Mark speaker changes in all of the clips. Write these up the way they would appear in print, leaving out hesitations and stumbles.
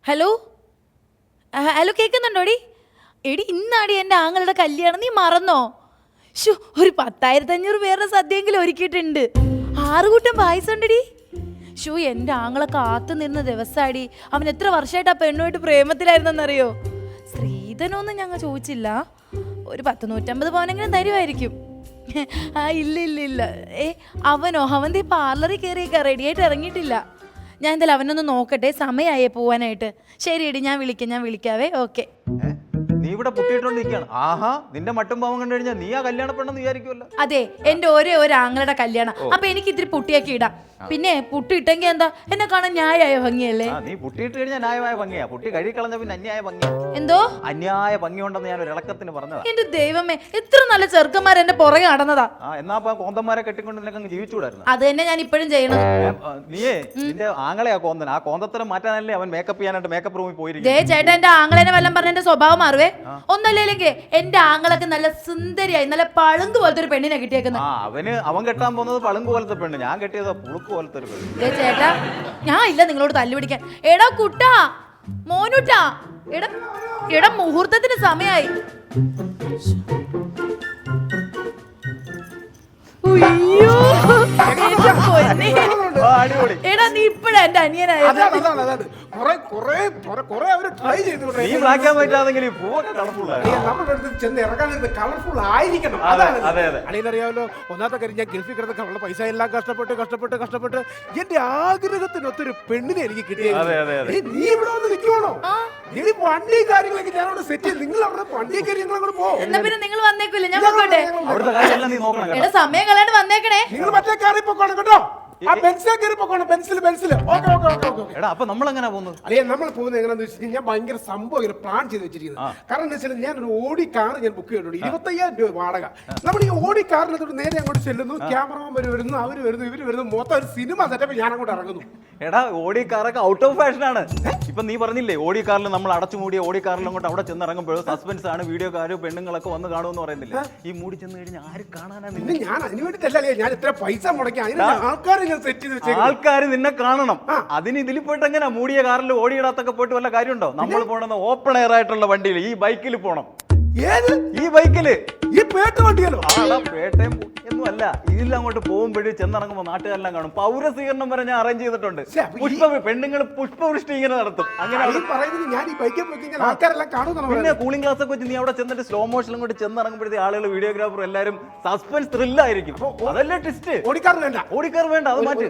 Speaker 1: Hello hello കേൾക്കുന്നുണ്ടോടി? എടി ഇന്നാടി എൻ്റെ ആങ്ങളുടെ കല്യാണം, നീ മറന്നോ? ഷു ഒരു 10,500 പേരുടെ സദ്യയെങ്കിലും ഒരുക്കിയിട്ടുണ്ട്. 6 കൂട്ടം പായസം ഉണ്ടടി. ഷു എൻ്റെ ആങ്ങളെ കാത്തു നിന്ന ദിവസമാടി. അവൻ എത്ര വർഷമായിട്ട് ആ പെണ്ണുമായിട്ട് പ്രേമത്തിലായിരുന്നെന്നറിയോ? സ്ത്രീധനമൊന്നും ഞങ്ങൾ ചോദിച്ചില്ല, ഒരു 100-150 പവനെങ്കിലും തരുമായിരിക്കും. ആ ഇല്ല ഇല്ല ഇല്ല. അവൻ പാർലറിൽ കയറിയേക്കാ, റെഡിയായിട്ട് ഇറങ്ങിയിട്ടില്ല. ഞാൻ എന്തായാലും അവനൊന്ന് നോക്കട്ടെ, സമയമായേ പോവാനായിട്ട്. ശരി എടി, ഞാൻ വിളിക്കാവേ. ഓക്കെ.
Speaker 2: നീ ഇവിടെ പൊട്ടിയിട്ടോണ്ടിരിക്കുകയാണ്. ആഹാ, നിന്റെ മട്ടും പാവം കണ്ടു കഴിഞ്ഞാൽ നീ ആ കല്യാണ പെണ്ണെന്ന് വിചാരിക്കുമല്ലോ.
Speaker 1: അതെ, എന്റെ ഒരേ ഒരു ആങ്ങളുടെ കല്യാണം. അപ്പൊ എനിക്ക് ഇത്തിരി പുട്ടിയൊക്കെ ഇടാം. പിന്നെ പുട്ടി ഇട്ടെങ്കിൽ എന്താ, എന്നെ കാണാൻ ന്യായമായ ഭംഗിയല്ലേ?
Speaker 2: നീ പുട്ടിയിട്ട് കഴിഞ്ഞാൽ ന്യായമായ ഭംഗിയാ, പുട്ടി കഴുകിക്കളഞ്ഞ പിന്നെ അന്യായ ഭംഗിയാ.
Speaker 1: എന്തോ
Speaker 2: അന്യായ ഭംഗി ഉണ്ടെന്ന് ഞാൻ ഒരു ഇളക്കത്തിന് പറഞ്ഞതാ.
Speaker 1: എന്റെ ദൈവമേ, എത്ര നല്ല ചെറുക്കന്മാർ എന്റെ പുറകെ നടന്നതാ.
Speaker 2: എന്നാ കോന്തന്മാരെ കെട്ടിക്കൊണ്ട് നിനക്ക് ജീവിച്ചുകൂടായിരുന്നു.
Speaker 1: അത് തന്നെ ഞാൻ ഇപ്പോഴും ചെയ്യണത്.
Speaker 2: നീയേ നിന്റെ ആങ്ങളെയാ കോന്തൻ. ആ കോന്തത്തരം മാറ്റാനല്ലേ അവൻ മേക്കപ്പ് ചെയ്യാനായിട്ട് മേക്കപ്പ് റൂമിൽ പോയിരിക്കും.
Speaker 1: ചേട്ടാ, എന്റെ ആങ്ങളേനെ വല്ലതും പറഞ്ഞ എന്റെ സ്വഭാവം മാറുവേ. ഒന്നല്ലെങ്കിൽ എന്റെ ആങ്ങളൊക്കെ നല്ല സുന്ദരിയായി, നല്ല പളുങ്ക് പോലത്തെ ഒരു പെണ്ണിനെ കിട്ടിയേക്കുന്നത്.
Speaker 2: അവൻ കെട്ടാൻ പോകുന്നത് പളുങ്ക് പോലത്തെ പെണ്ണ്, ഞാൻ കെട്ടിയത് പുളുക്ക് പോലത്തെ ഒരു പെണ്ണ്.
Speaker 1: ചേട്ടാ, ഞാൻ ഇല്ല നിങ്ങളോട് തല്ലുപിടിക്കാൻ. എടാ കുട്ടാ, മോനുട്ടാ, എടാ മുഹൂർത്തത്തിന് സമയായി. എടാ നീ ഇപ്പഴാ എന്റെ അനിയനായത്.
Speaker 3: അറിയാമല്ലോ, ഒന്നാമത്തെ കാര്യം ഞാൻ ഗൾഫിൽ കിടന്ന പൈസ എല്ലാം കഷ്ടപ്പെട്ട് എന്റെ ആഗ്രഹത്തിനൊത്തൊരു പെണ്ണിനെ എനിക്ക് കിട്ടിയത്. നീ ഇവിടെ വന്ന് നിൽക്കുവാണോ? ഇനി വണ്ടി കാര്യങ്ങളൊക്കെ ഞാൻ അവിടെ സെറ്റ് ചെയ്ത് നിങ്ങൾ അവിടെ വണ്ടി കാര്യങ്ങളൊക്കെ പോകും.
Speaker 1: എന്നാ പിന്നെ നിങ്ങൾ വന്നേക്കൂല്ലേ? ഞാൻ പോട്ടെ. എടാ സമയം കളയാണ്ട് വന്നേക്കണേ.
Speaker 3: നിങ്ങൾ മറ്റേ കാറിൽ പോക്കോണം കേട്ടോ.
Speaker 2: അപ്പൊ നമ്മൾ എങ്ങനെ പോകുന്നത്?
Speaker 3: അല്ലെ, നമ്മൾ പോകുന്നത് എങ്ങനെയാന്ന് വെച്ചാൽ ഞാൻ ഭയങ്കര സംഭവം പ്ലാൻ ചെയ്ത് വെച്ചിരിക്കുന്നത്. കാരണം എന്താ വെച്ചാൽ ഞാൻ ഒരു ഓടി കാർ ഞാൻ ബുക്ക് ചെയ്തിട്ടുണ്ട്. 25,000 രൂപ വാടക. നമ്മൾ ഈ ഓടി കാറിനകത്തോട്ട് നേരെ അങ്ങോട്ട് ചെല്ലുന്നു, ക്യാമറമാൻ വരുന്നു, അവര് വരുന്നു, ഇവര് വരുന്നു, മൊത്തം ഒരു സിനിമ സെറ്റപ്പ് ഞാൻ അങ്ങോട്ട് ഇറങ്ങുന്നു.
Speaker 2: എടാ, ഓടി കാറൊക്കെ ഔട്ട് ഓഫ് ഫാഷൻ ആണ്. ഇപ്പൊ നീ പറഞ്ഞില്ലേ ഓടി കാറിൽ നമ്മൾ അടച്ചുമൂടിയ ഓടി കാറിൽ അങ്ങോട്ട് അവിടെ ചെന്ന് ഇറങ്ങുമ്പോഴും സസ്പെൻസ് ആണ്, വീഡിയോക്കാരും പെണ്ണുങ്ങളൊക്കെ വന്ന് കാണുമെന്ന് പറയുന്നില്ല. ഈ മൂടി ചെന്ന് കഴിഞ്ഞാൽ ആര് കാണാനാണ്?
Speaker 3: ഞാൻ അതിന് വേണ്ടിട്ടല്ലേ ഞാൻ ഇത്ര പൈസ മുടക്കി അതിന് ആൾക്കാർ സെറ്റ് ചെയ്ത് വെച്ചേക്കും.
Speaker 2: ആൾക്കാർ നിന്നെ കാണണം. അതിന് ഇതിൽ പോയിട്ട് എങ്ങനെ മൂടിയ കാറിൽ ഓടിയിടാത്തൊക്കെ പോയിട്ട് വല്ല കാര്യമുണ്ടോ? നമ്മൾ പോണെന്ന് ഓപ്പൺ എയർ ആയിട്ടുള്ള വണ്ടിയിൽ, ഈ ബൈക്കിൽ പോണം. ഈ ബൈക്കില്
Speaker 3: ഈ പേട്ട വണ്ടിയല്ലോ?
Speaker 2: പേട്ടയും ഒന്നും അല്ല. ഇതിൽ അങ്ങോട്ട് പോകുമ്പോഴും ചെന്നിറങ്ങുമ്പോൾ നാട്ടുകാരെല്ലാം കാണും. പൗരസ്വീകരണം വരെ ഞാൻ അറേഞ്ച് ചെയ്തിട്ടുണ്ട്. പെണ്ണുങ്ങൾ പുഷ്പവൃഷ്ടി ഇങ്ങനെ നടത്തും. അങ്ങനെ പിന്നെ കൂളിംഗ് ഗ്ലാസ് ഒക്കെ വെച്ച് നീ അവിടെ ചെന്നിട്ട് സ്ലോ മോഷനിലും കൂടി ചെന്നിറങ്ങുമ്പോഴത്തെ ആളുകൾ, വീഡിയോഗ്രാഫർ എല്ലാവരും സസ്പെൻസ് ത്രില്ലായിരിക്കും. അതല്ലേ ട്വിസ്റ്റ്.
Speaker 3: ഓടിക്കാർ വേണ്ട,
Speaker 2: അത് മാറ്റി.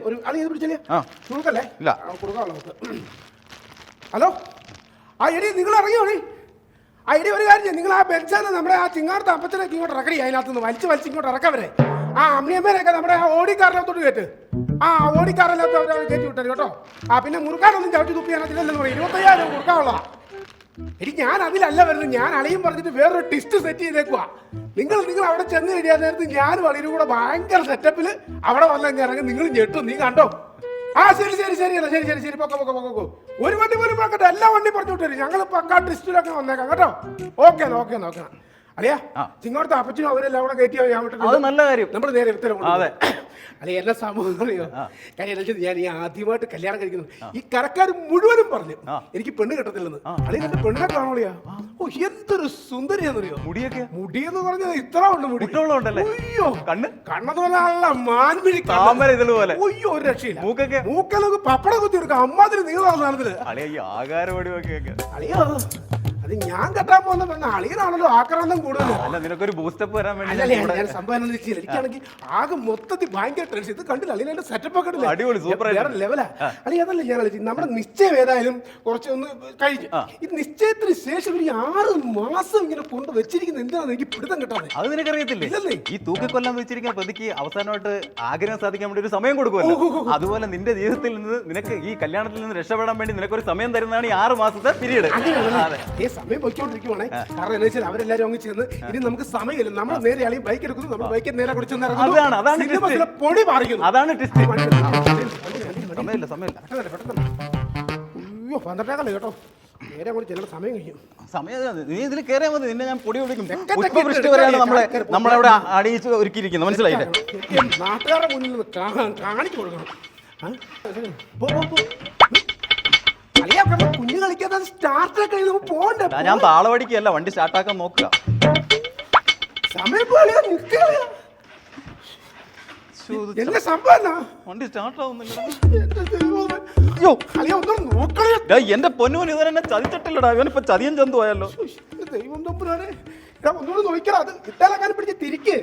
Speaker 3: ഹലോ, ആ എടി നിങ്ങൾ ഇറങ്ങിയോടി. ആ എടി ഒരു കാര്യം, നിങ്ങൾ ആ ബെഞ്ചാണ് നമ്മുടെ ആ ചിങ്ങാടത്തെ അപ്പത്തിനൊക്കെ ഇങ്ങോട്ട് ഇറക്കടി. അതിനകത്തുനിന്ന് വലിച്ച് ഇങ്ങോട്ട് ഇറക്കാൻ വരെ. ആ അമ്മിയമ്മേനൊക്കെ നമ്മുടെ ആ ഓടിക്കാറിനകത്തോട്ട് കയറ്റ്. ആ ഓടിക്കാറിനകത്ത് അവർ കയറ്റി വിട്ടത് കേട്ടോ. ആ പിന്നെ മുറുക്കാനൊന്നും ചവിട്ടി തുപ്പിയാനത്തില്ലെന്ന് പറയും. 25,000 മുറുക്കാനുള്ളതാ. എടി ഞാൻ അതിലല്ല വരുന്നത്. ഞാൻ അളിയും പറഞ്ഞിട്ട് വേറൊരു ടിസ്റ്റ് സെറ്റ് ചെയ്തേക്കുവാ. നിങ്ങൾ അവിടെ ചെന്ന് കഴിയാൻ നേരത്ത് ഞാനും അളിയും കൂടെ ഭയങ്കര സെറ്റപ്പിൽ അവിടെ വന്നെങ്കിൽ ഇറങ്ങി നിങ്ങൾ ഞെട്ടും. നീ കണ്ടോ? ആ ശരി പൊക്കോ. ഒരു വണ്ടി പോലും പോക്കട്ടെ, എല്ലാ വണ്ടി പറഞ്ഞു വിട്ടു. ഞങ്ങൾ പക്കാ ടിസ്റ്റിലൊക്കെ വന്നേക്കാം കേട്ടോ. ഓക്കെ നോക്കണം. അളിയാ, ചിങ്ങോടത്തെ അപ്പച്ചനും അവരെല്ലാം കൂടെ കയറ്റിയോ? ഞാൻ
Speaker 2: നല്ല കാര്യം.
Speaker 3: നമ്മൾ നേരെ ഉത്തരം അല്ലെ എല്ലാ സംഭവം അറിയോ? കാര്യം ഞാൻ ഈ ആദ്യമായിട്ട് കല്യാണം കഴിക്കുന്നു. ഈ കരക്കാർ മുഴുവനും പറഞ്ഞു എനിക്ക് പെണ്ണ് കിട്ടത്തില്ലെന്ന്. അല്ലെങ്കിൽ എന്റെ പെണ്ണെ കാണോളിയാ. ഓ, എന്തൊരു സുന്ദരിയാന്നറിയോ? മുടിയെന്ന് പറഞ്ഞത് ഇത്ര ഉണ്ട്. മുടി അയ്യോ, കണ്ണെന്ന് പറഞ്ഞാൽ മാൻമിഴി പോലെ. അയ്യോ, ഒരു രക്ഷയില്ല. മൂക്കലൊക്കെ പപ്പടം കുത്തി എടുക്കാം. അമ്മാതിരി നീളമാണ് സാധനത്തില്. അളിയോ, അത് ഞാൻ കെട്ടാൻ പോകുന്ന പെണ്ണ അളിയനാണല്ലോ ആക്രാന്തം കൂടുതൽ.
Speaker 2: നിനക്കൊരു ബൂസ്റ്റപ്പ് വരാൻ വേണ്ടി
Speaker 3: ഞാൻ സംഭവം എനിക്കാണെങ്കിൽ ആകെ മൊത്തത്തിൽ ഭയങ്കര ടെൻഷൻ. ഇത് കണ്ടില്ല അളിയന്റെ സെറ്റപ്പ് ഒക്കെ വേറെ ലെവലാ. അളി അതല്ല ഞാൻ നമ്മുടെ നിശ്ചയം ഏതായാലും കുറച്ചൊന്ന് കഴിഞ്ഞു. ഈ നിശ്ചയത്തിന് ശേഷം ഒരു 6 മാസം ഇങ്ങനെ കൊണ്ട് വെച്ചിരിക്കുന്ന എന്താണെന്ന് എനിക്ക് പിടുത്തം കിട്ടാതെ.
Speaker 2: അത് നിനക്കറിയത്തില്ലേ? ഈ തൂക്കിക്കൊല്ലാൻ വെച്ചിരിക്കുന്ന പ്രതിക്ക് അവസാനമായിട്ട് ആഗ്രഹം സാധിക്കാൻ വേണ്ടി ഒരു സമയം കൊടുക്കുമല്ലോ. അതുപോലെ നിന്റെ ജീവിതത്തിൽ നിന്ന് നിനക്ക് ഈ കല്യാണത്തിൽ നിന്ന് രക്ഷപ്പെടാൻ വേണ്ടി നിനക്കൊരു സമയം തരുന്നതാണ് ഈ 6 മാസത്തെ പീരീഡ്.
Speaker 3: സമയം പൊയ്ക്കൊണ്ടിരിക്കുവാണേ. കാരണം എന്താ വെച്ചാൽ അവരെല്ലാരും അങ്ങ് ചെന്ന് ഇനി നമുക്ക് സമയമില്ല. നമ്മൾ നേരെ ആളി ബൈക്ക് എടുക്കുന്നു, നമ്മൾ ബൈക്ക് നേരെ കുടിച്ചു പൊടി മാറിക്കുന്നു.
Speaker 2: അതാണ് ടെസ്റ്റ്.
Speaker 3: അയ്യോ, 12 കേട്ടോ. നേരെ അങ്ങോട്ട് ചെല്ലുന്ന സമയം കഴിയും.
Speaker 2: നീ ഇതിൽ കയറിയാൽ മതി. നിന്നെ ഞാൻ പൊടി ഒഴിക്കും. പുഷ്പവൃഷ്ടി വരെയാണ് നമ്മളവിടെ അടിയിച്ച് ഒരുക്കിയിരിക്കുന്നത്. മനസ്സിലായില്ലേ?
Speaker 3: നാട്ടുകാരുടെ മുന്നിൽ നിന്ന് കാണിച്ചു കൊടുക്കണം. കുഞ്ഞു കളിക്കാൻ അളിക്ക് അത് സ്റ്റാർട്ടൊക്കെ നമുക്ക് പോകണ്ടേ?
Speaker 2: ഞാൻ താളവടിക്കല്ല, വണ്ടി സ്റ്റാർട്ടാക്കാൻ നോക്കുക.
Speaker 3: സമയം പോലെ നിൽക്കുക. എന്നെ സംഭവം
Speaker 2: വണ്ടി സ്റ്റാർട്ട് ആവുന്നില്ല.
Speaker 3: അളിയ ഒന്നും നോക്കളെ.
Speaker 2: എന്റെ പൊന്നൂൻ ഇവരെന്നെ ചതിച്ചിട്ടില്ലടാ. ഇവനിപ്പോ ചതിയൻ ചന്തു പോയല്ലോ.
Speaker 3: ദൈവം തമ്പുരാനെ, ഒന്നുകൂടെ നോക്കിയാ. അത് ഇട്ടാലക്കാനും പിടിച്ച് തിരിച്ച്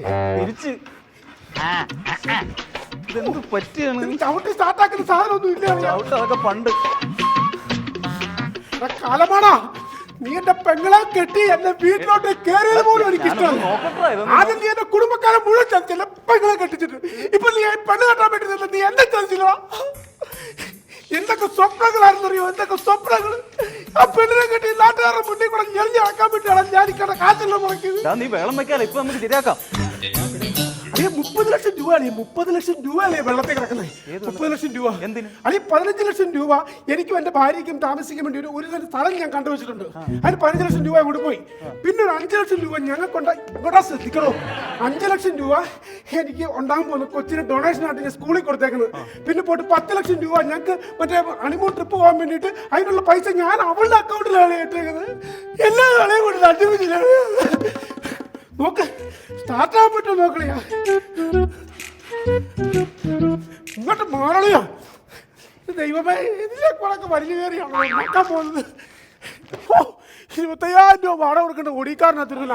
Speaker 2: ഇതെന്ത് പറ്റിയാണ്?
Speaker 3: ചവിട്ടി സ്റ്റാർട്ടാക്കുന്ന സാധനം ഒന്നും ഇല്ല.
Speaker 2: ചവിട്ട് അതൊക്കെ പണ്ട്
Speaker 3: കാലമാണാ. നീ എന്റെ പെങ്ങളെ കെട്ടി എന്നെ വീട്ടിലോട്ട് കയറിയത് പോലും എനിക്ക് ഇഷ്ടമല്ല. ആദ്യം നീ എന്റെ കുടുംബക്കാരെ മുഴുവൻ ചതിച്ചല്ല പെങ്ങളെ കെട്ടിച്ചിട്ട്. ഇപ്പൊ നീ പെണ്ണ് കെട്ടാൻ പറ്റുന്നില്ല. നീ എന്നെ ചതിച്ചില്ല. എന്തൊക്കെ സ്വപ്നങ്ങളായിരുന്നറിയോ? എന്തൊക്കെ സ്വപ്നങ്ങൾ. ആ പെണ്ണിനെ കെട്ടി നാട്ടുകാരുടെ മുന്നിൽ കൂടെ ഞെളിഞ്ഞ് നടക്കാൻ പറ്റുകയാണ്. ഞാൻ ഇക്കടെ കാശല്ല മുടക്കിയത്.
Speaker 2: നീ വെള്ളം വെക്കാല. ഇപ്പൊ നമുക്ക് ശരിയാക്കാം.
Speaker 3: 30 ലക്ഷം രൂപയാണ്. 30 ലക്ഷം രൂപയല്ലേ വെള്ളത്തിൽ കിടക്കുന്നത്? 30 ലക്ഷം രൂപ
Speaker 2: എന്തിന്?
Speaker 3: അല്ലെങ്കിൽ 15 ലക്ഷം രൂപ എനിക്കും എന്റെ ഭാര്യയ്ക്കും താമസിക്കാൻ വേണ്ടി ഒരു സ്ഥലം ഞാൻ കണ്ടുവച്ചിട്ടുണ്ട്. അതിന് 15 ലക്ഷം രൂപ കൂടി പോയി. പിന്നെ ഒരു 5 ലക്ഷം രൂപ ഞങ്ങൾക്കുണ്ട്. ഇങ്ങോട്ടാ ശ്രദ്ധിക്കണോ? 5 ലക്ഷം രൂപ എനിക്ക് ഉണ്ടാകാൻ പോകുന്ന കൊച്ചിന് ഡൊണേഷൻ ആയിട്ട് ഞാൻ സ്കൂളിൽ കൊടുത്തേക്കുന്നത്. പിന്നെ പോയിട്ട് 10 ലക്ഷം രൂപ ഞങ്ങൾക്ക് മറ്റേ ഹണിമൂൺ ട്രിപ്പ് പോകാൻ വേണ്ടിയിട്ട് അതിനുള്ള പൈസ ഞാൻ അവളുടെ അക്കൗണ്ടിലാണ് ഇട്ടേക്കുന്നത്. എല്ലാ കളയും കൂടി അടിപിടിച്ചില്ല. നോക്ക്, സ്റ്റാർട്ടാകാൻ പറ്റുമോ നോക്കളിയാ. ഇങ്ങോട്ട് മാറളിയാ. ദൈവമേ, ഇതിലെ കൂടെ വലിയ കയറിയാണോ നോക്കാൻ പോകുന്നത്? 25,000 രൂപ വാടക കൊടുക്കേണ്ട ഓടിക്കാരനകത്തിരുന്നില്ല.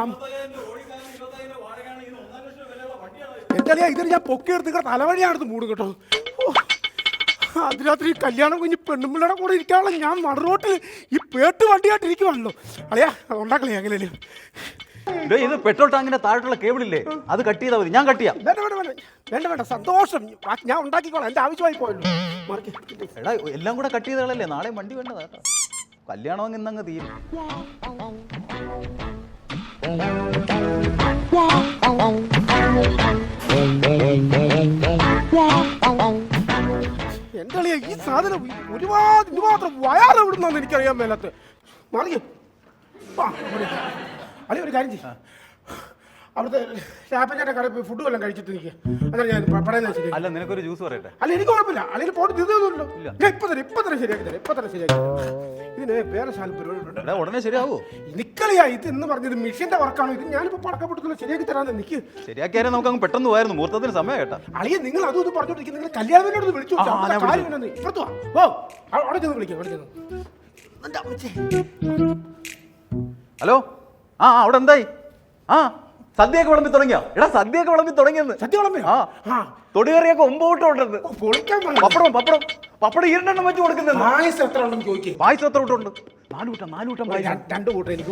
Speaker 3: എന്തായാലും ഇതിന് ഞാൻ പൊക്കിയെടുത്ത് തലവഴിയാണെടുത്ത് മൂടും കേട്ടോ. അതിരാത്രി കല്യാണം കുഞ്ഞ് പെണ്ണുമ്പിള്ളയുടെ കൂടെ ഇരിക്കാനുള്ള ഞാൻ നടുറോട്ടിൽ ഈ പേട്ട് വണ്ടിയായിട്ട് ഇരിക്കുവാണല്ലോ. അളിയാ ഉണ്ടാക്കളേ എങ്ങനെയല്ലേ.
Speaker 2: ഇത് പെട്രോൾ ടാങ്കിന്റെ താഴോട്ടുള്ള കേബിളില്ലേ, അത് കട്ട് ചെയ്താൽ മതി. ഞാൻ കട്ട് ചെയ്യാം.
Speaker 3: വേണ്ട സന്തോഷം, ഞാൻ ഉണ്ടാക്കിക്കോളാം. എന്റെ ആവശ്യമായി പോയല്ലോ.
Speaker 2: എടാ എല്ലാം കൂടെ കട്ട് ചെയ്തകളല്ലേ, നാളെ വണ്ടി വേണ്ടതാ കേട്ടോ. കല്യാണം ഇന്നങ്ങ് തീരും.
Speaker 3: എന്റെ അളിയ ഈ സാധനം ഒരുപാട് ഇത് മാത്രം വയറ് എവിടുന്നാന്ന് എനിക്കറിയാൻ മേലത്ത്. മറിയും അളിയ ഒരു കാര്യം ചെയ്യും. അവിടുത്തെ ഷാപ്പഞ്ചാന്റെ കടയിൽ പോയി ഫുഡ് വല്ലതും കഴിച്ചിട്ട് നിൽക്കുക. അതാണ് ഞാൻ പറയുന്നത്. ശരി
Speaker 2: അല്ല, നിനക്കൊരു ജ്യൂസ് പറയട്ടെ?
Speaker 3: അല്ല, എനിക്ക് കുഴപ്പമില്ല. അല്ലെങ്കിൽ പോയിട്ട് തിന്നൊന്നുമില്ലോ. ഞാൻ ഇപ്പൊ തന്നെ ശരിയാക്കി തരാം. ഇതിന് വേറെ ശാല പരിപാടി
Speaker 2: ഉടനെ ശരിയാവോ?
Speaker 3: നിക്കളിയാ. ഇത് എന്ന് പറഞ്ഞത് മിഷീന്റെ വർക്കാണോ? ഇത് ഞാനിപ്പോ പടക്കപ്പെട്ടുള്ള ശരിയാക്കി തരാന്ന്. എനിക്ക്
Speaker 2: ശരിയാക്കിയാലും നമുക്ക് അങ്ങ് പെട്ടെന്ന് പോയായിരുന്നു. മുഹൂർത്തത്തിന് സമയം കേട്ടാ.
Speaker 3: അളിയ നിങ്ങൾ അതും ഇത് പറഞ്ഞോണ്ടിരിക്കും. നിങ്ങൾ കല്യാണത്തിനോട് വിളിച്ചു ഇപ്പുറത്തു ഓ അവിടെ ചെന്ന് വിളിക്കാം.
Speaker 2: ഹലോ, അവിടെ എന്തായി? സദ്യയൊക്കെ വിളമ്പി തുടങ്ങിയോ? എടാ സദ്യയൊക്കെ വിളമ്പി തുടങ്ങിയെന്ന്.
Speaker 3: സദ്യ വിളമ്പിയോ?
Speaker 2: തൊടികറിയൊക്കെ 9 ഉണ്ട്. പപ്പടം ഇരുണ്ടെണ്ണം വെച്ച് കൊടുക്കുന്നത്.
Speaker 3: പായസം എത്ര ഉണ്ടെന്ന് ചോദിക്കും.
Speaker 2: പായസം എത്ര കൂട്ടുണ്ട്? 4 കൂട്ടം പായസം.
Speaker 3: 2 കൂട്ടം. എനിക്ക്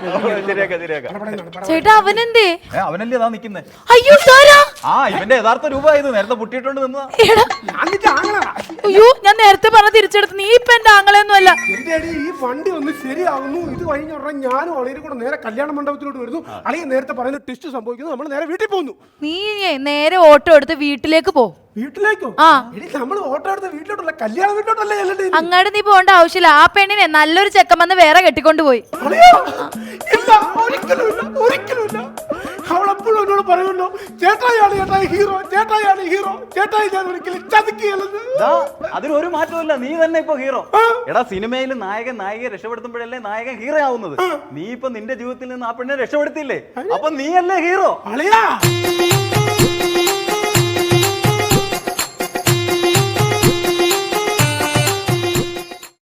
Speaker 1: ചേട്ടാ അവനെന്തേ?
Speaker 2: അവനല്ലേ അതാ നിക്കുന്നേ.
Speaker 1: അയ്യോ
Speaker 2: ഇവന്റെ യഥാർത്ഥ രൂപ ഇത് നേരത്തെ പൊട്ടിയിട്ടുണ്ട് നിന്നതാ.
Speaker 1: അയ്യോ, ഞാൻ നേരത്തെ പറഞ്ഞ തിരിച്ചെടുത്ത്. നീ ഇപ്പൊ എന്റെ ആങ്ങളെയൊന്നും അല്ല.
Speaker 3: എന്റെ അടി ഈ വണ്ടി ഒന്ന് ശരിയാവുന്നു. ഇത് കഴിഞ്ഞ ഉടനെ ഞാനും അളിയും കൂടെ നേരെ കല്യാണ മണ്ഡപത്തിലോട്ട് വരുന്നു. അളിയ നേരത്തെ പറയുന്ന ടെസ്റ്റ് സംഭവിക്കുന്നു. നമ്മൾ നേരെ വീട്ടിൽ പോകുന്നു.
Speaker 1: നീ നേരെ ഓട്ടോ എടുത്ത് വീട്ടിലേക്ക് പോ.
Speaker 3: വീട്ടിലേക്കോ? നമ്മൾ ഓട്ടോ എടുത്ത് വീട്ടിലോട്ടല്ല, കല്യാണ വീട്ടിലോട്ടല്ലേ ചെല്ലണ്ടേ?
Speaker 1: അങ്ങോട്ട് നീ പോകേണ്ട ആവശ്യമില്ല. ആ പെണ്ണിനെ നല്ലൊരു ചെക്കൻ വന്ന് വേറെ കെട്ടിക്കൊണ്ട് പോയി.
Speaker 3: ഒരിക്കലുമില്ല. അവളെപ്പോഴും എന്നോട് പറയുമല്ലോ, ചേട്ടായാണ് ഹീറോ, ചേട്ടായാണ് ഹീറോ, ചേട്ടായി ഞാൻ ഒരിക്കലും ചതിക്കുകയല്ലെന്ന്.
Speaker 2: അതിനൊരു മാറ്റമില്ല. നീ തന്നെ ഇപ്പൊ ഹീറോ. എടാ സിനിമയിൽ നായികയെ രക്ഷപ്പെടുത്തുമ്പോഴല്ലേ നായകൻ ഹീറോ ആവുന്നത്. നീ ഇപ്പൊ നിന്റെ ജീവിതത്തിൽ നിന്ന് ആ പെണ്ണിനെ രക്ഷപ്പെടുത്തിയില്ലേ? അപ്പൊ നീയല്ലേ ഹീറോ.
Speaker 3: അളിയാ